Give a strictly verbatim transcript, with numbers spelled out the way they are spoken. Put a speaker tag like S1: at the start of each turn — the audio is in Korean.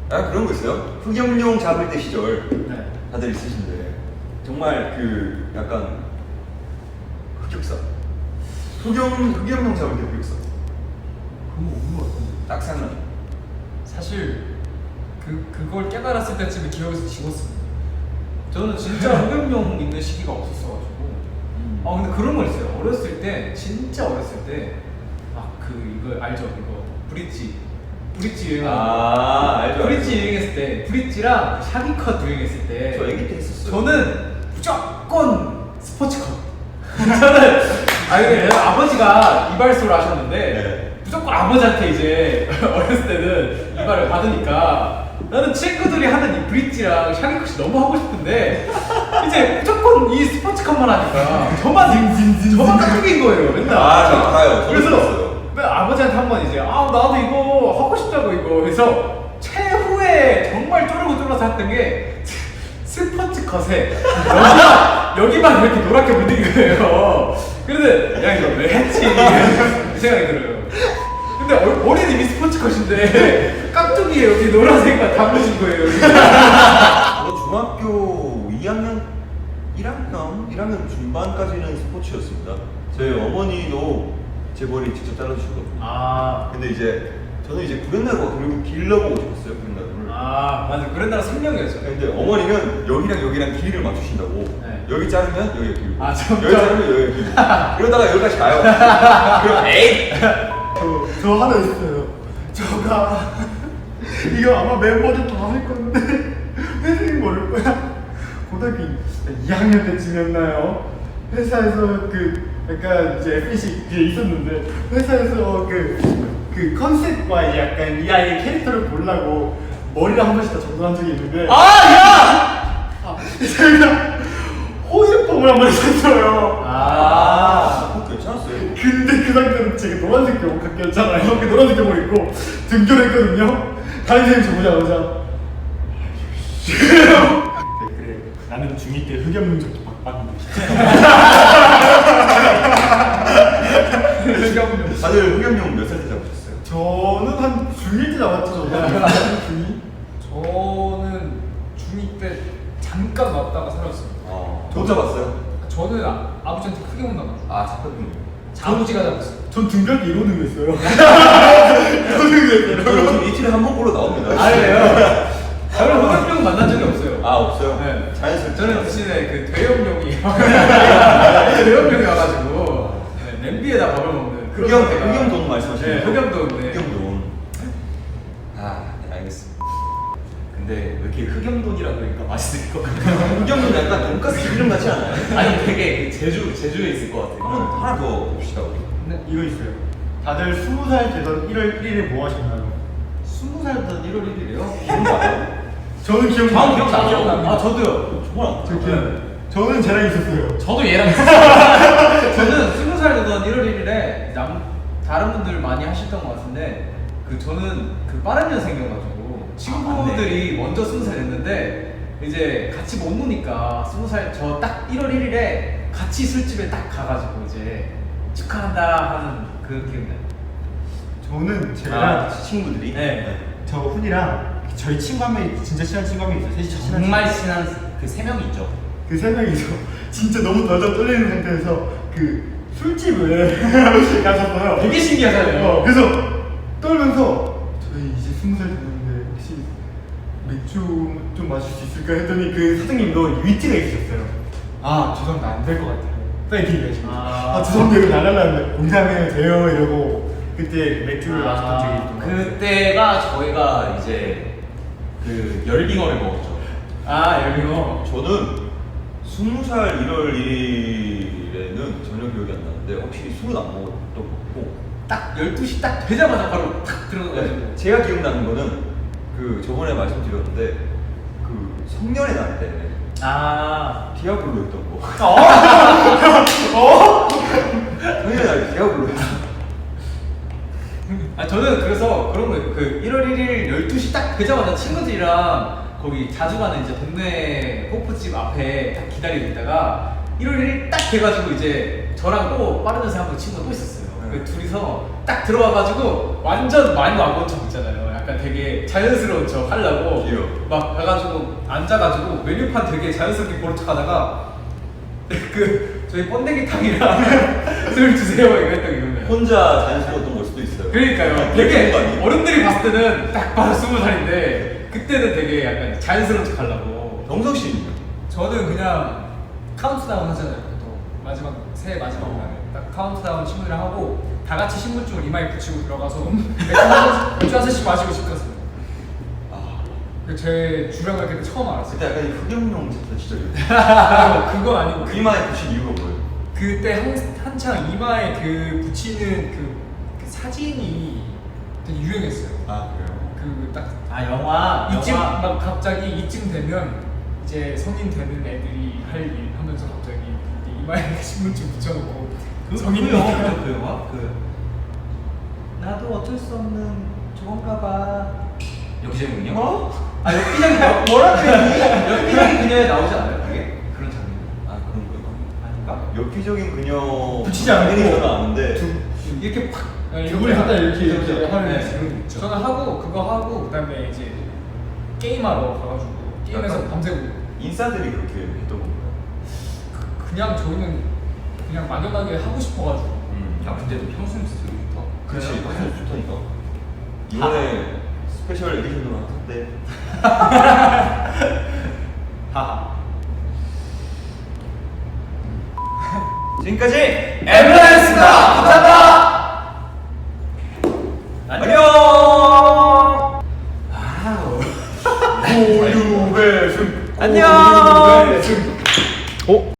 S1: 아 그런 거 있어요? 흑염룡 잡을 때 시절
S2: 네.
S1: 다들 있으신데 정말 그 약간 흑역사 흑염, 흑염룡 잡을 때 흑역사
S2: 그런 거 없는 것 같은데.
S1: 딱 생각나.
S3: 사실 그 그걸 깨달았을 때쯤에 기억에서 지웠습니다. 저는 진짜 흑염룡 있는 시기가 없었어가지고.
S1: 음.
S3: 아 근데 그런 거 있어요. 어렸을 때 진짜 어렸을 때 막 그 이거 알죠? 이거 브릿지 브릿지 유행.
S1: 아 알죠.
S3: 브릿지 유행했을 때 브릿지랑 샤기컷 유행했을 때.
S1: 저 애기 때 했었어요.
S3: 저는 무조건 스포츠컷. 저는 아니 근데 아버지가 이발소를 하셨는데
S1: 네.
S3: 무조건 아버지한테 이제 어렸을 때는 이발을 받으니까 나는 친구들이 하는 이 브릿지랑 샤기컷이 너무 하고 싶은데 이제 무조건 이 스포츠컷만 하니까 저만 저만 깍두기인 거예요 맨날.
S1: 아, 저 알아요. 저도
S3: 그래서
S1: 들었어요.
S3: 맨 아버지한테 한 번 이제 아 나도 이거 하고 싶다고 이거 그래서 최후에 정말 쪼르고 쫄라서 했던 게 스포츠컷에 여기만 여기만 이렇게 노랗게 묻은 거예요. 그래서 야 이거 왜 했지 이 생각이 들어요. 근데 어, 어린이미 스포츠컷인데 깍두기에 여기 노란색만 다 묻은 거예요. 여기.
S1: 저 중학교 이 학년, 일 학년, 일 학년 중반까지는 스포츠였습니다. 저희 어머니도 제 머리 직접 잘라주시거든요.
S3: 아,
S1: 근데 이제 저는 이제 구렛나루가 그리고 길러보고 싶었어요, 구렛나루를.
S3: 아 맞아 그랜나라 생명이었죠.
S1: 근데 어머니는 여기랑 여기랑 길이를 맞추신다고.
S3: 네.
S1: 여기 자르면 여기가 길고,
S3: 아, 점점.
S1: 여기 자르면 여기가 길고. 이러다가 여기까지 가요. 그럼 에이!
S2: 저, 저 하나 있어요. 저가 이거 아마 멤버들 다 할 건데 회생이 모를 거야. 고등학교 이 학년 때쯤이었나요? 회사에서 그 약간 이제 에프씨 그게 있었는데 회사에서 그, 그 컨셉과 약간 이 아이의 캐릭터를 보려고 머리를 한 번씩 다 정돈한 적이 있는데
S3: 아 야!
S2: 아, 제가 호일폼을 한 번 했었어요.
S3: 아.
S1: 어, 괜찮았어요.
S2: 근데 그 상태로 제가 노란색 교복 갖겼잖아요. 그 노란색 교복 입고 등교했거든요. 다른 선생님 저 보자마자 네, 그래 나는 중이 때 흑염룡 저기 박박인데
S1: 다들 흑염룡 몇 살 때 잡으셨어요?
S2: 저는 한 중일 때 나왔죠. 저는 중이?
S3: 저는 중이 때 잠깐 왔다가 사라졌어요.
S1: 아, 못 잡았어요?
S3: 저는 아, 아버지한테 크게 혼나가지고
S1: 아, 잡혔군요.
S3: 아버지가 잡았어요.
S2: 전 등교할 때 이러는 거 있어요. 이러는 거 있어요.
S1: 저 요즘 이틀에 한 번 보러 나옵니다.
S3: 아니에요. 저는 흑염룡 만난 적이 없어요.
S1: 아, 없어요?
S3: 네.
S1: 자연스럽게.
S3: 저는 대신에 그 대염룡이 대염룡이 와가지고 네, 냄비에다 밥을 먹는 그런
S1: 흑염,
S3: 상태가-
S1: 흑염돈 말씀하시는
S3: 네,
S1: 거죠?
S3: 흑염돈. 네.
S1: 흑염돈. 아, 네, 알겠습니다. 근데 왜 이렇게 흑염돈이라 그러니까 맛있을 것 같아요? 흑염돈 약간 돈가스 이름 같지 않아요?
S4: 아니 되게 그 제주 제주에 있을 것 같아요.
S1: 한번 하나 더 봅시다. 우리.
S3: 네.
S2: 이거 있어요. 다들 스무 살 되던 일월 일일에 뭐 하셨나요?
S1: 스무 살 된 일월 일일이에요? 기억나요?
S2: 저는 기억나요.
S4: 다음 기억나요?
S3: 아 저도요.
S1: 정말
S2: 저 기억. 저는 쟤랑 있었어요.
S3: 저도 얘랑 있었어요. 저는 스무 살 되던 일월 일일에 남 다른 분들 많이 하셨던 것 같은데 그 저는 그 빠른 년생이어가지고 친구들이 먼저 스무 살 됐는데 이제 같이 못 노니까 스무 살 저 딱 일월 일일에 같이 술집에 딱 가가지고 이제 축하한다 하는 그 기억나요.
S2: 저는 쟤랑
S1: 아, 친구들이?
S3: 네.
S2: 저 훈이랑 저희 친구 한 명이 진짜 친한 친구 한 명이 있어요. 셋이 친한
S4: 정말
S2: 친구.
S4: 친한 그 세 명이 있죠.
S2: 그 세 명이서 진짜 너무 덜덜 떨리는 상태에서 그 술집을 가셨어요.
S3: 되게 신기하잖아요.
S2: 어, 그래서 떨면서 저희 이제 스무 살 됐는데 혹시 맥주 좀 마실 수 있을까 했더니 그 사장님도 위트가 있으셨어요. 아 죄송합니다 안 될 것 같아요. 파이팅 이러시고
S3: 아.
S2: 아 죄송합니다 이거 날라라는데 공장에 돼요 이러고 그때 맥주를
S4: 아,
S2: 마셨던 적이 있던 것 같아요.
S4: 그때가 저희가 이제 그 열빙어를 먹었죠.
S3: 아 열빙어.
S1: 저는 스무 살 일월 일일에는 전혀 기억이 안 나는데 확실히 술은 안 먹었던 것 같고
S3: 딱 열두 시 딱 되자마자 바로 탁 들어가가지고.
S1: 네, 제가 기억나는 거는 그 저번에 말씀드렸는데 그 성년의 날 때
S3: 아.
S1: 디아블로였던 거.
S2: 어?
S1: 성년의 날 디아블로였어.
S3: 아 저는 그래서 그런 거예요. 그 일월 일일 열두 시 딱 되자마자 친구들이랑 거기 자주 가는 이제 동네 호프집 앞에 딱 기다리고 있다가 일월 일일 딱 돼가지고 이제 저랑 또 빠른 연세 한번 친구가 또 있었어요.
S1: 네.
S3: 그 둘이서 딱 들어와가지고 완전 많이 와본 척 있잖아요. 약간 약간 되게 자연스러운 척 하려고
S1: 귀여워.
S3: 막 가가지고 앉아가지고 메뉴판 되게 자연스럽게 보는 척하다가 그 저희 번데기탕이랑 술 주세요 이거 했던 기억나요.
S1: 혼자 자연스러웠던 걸 수도 있어요.
S3: 그러니까요.
S1: 그런
S3: 되게
S1: 거 아니에요?
S3: 어른들이 봤을 때는 딱 바로 스무 살인데 그때는 되게 약간 자연스러운 척 하려고.
S1: 병석 씨는요?
S5: 저는 그냥 카운트다운 하잖아요. 보통 마지막 새해 마지막
S3: 어.
S5: 날에 딱 카운트다운 친구들이랑 하고 다 같이 신분증을 이마에 붙이고 들어가서 맥주 한 잔씩- 맥주 한 잔씩 마시고 싶었어요.
S1: 아,
S5: 제 주량을 그때 처음 알았어요.
S1: 그때 약간 이 흑염룡 같은 시절이에요.
S5: 아, 그건 아니고 그,
S1: 이마에 붙인 이유가 뭐예요?
S5: 그때 한, 한창 이마에 그 붙이는 그, 그 사진이 되게 유행했어요.
S1: 아, 그래요?
S5: 그 딱
S4: 아 영화.
S5: 이쯤
S4: 영화.
S5: 막 갑자기 이쯤 되면 이제 성인 되는 애들이 할 일 하면서 갑자기 이마에 신분증 붙여놓고
S4: 그
S5: 성인이
S4: 그 영화 뭐죠? 그 영화? 그 나도 어쩔 수 없는 저건가 봐. 역시군요.
S1: 어?
S4: 아 엽기적이 뭐라 그랬니? 엽기적인 그녀에 나오지 않아요? 그게 그런 장면.
S1: 아, 그런 거요?
S4: 아닌가?
S1: 엽기적인 그녀
S2: 붙이지 않고
S1: 당연히 저는 아는데
S3: 이렇게 팍
S5: 네,
S2: 두분이 갖다 이렇게 이렇게 하는
S3: 네.
S2: 지금 있죠.
S5: 저는 하고 그거 하고 그다음에 이제 게임하러 가가지고 게임에서
S1: 약간
S5: 밤새고
S1: 인싸들이 그렇게 했던 건가요?
S5: 그냥 저희는 그냥 막연하게 하고 싶어가지고
S1: 음.
S4: 야 근데도 평소에 되게 좋다.
S1: 그렇지, 사실 좋다니까. 이번에 스페셜 에디션으로 한대.
S4: 하하.
S1: 지금까지
S4: 엠플라이였습니다. 감사합니다.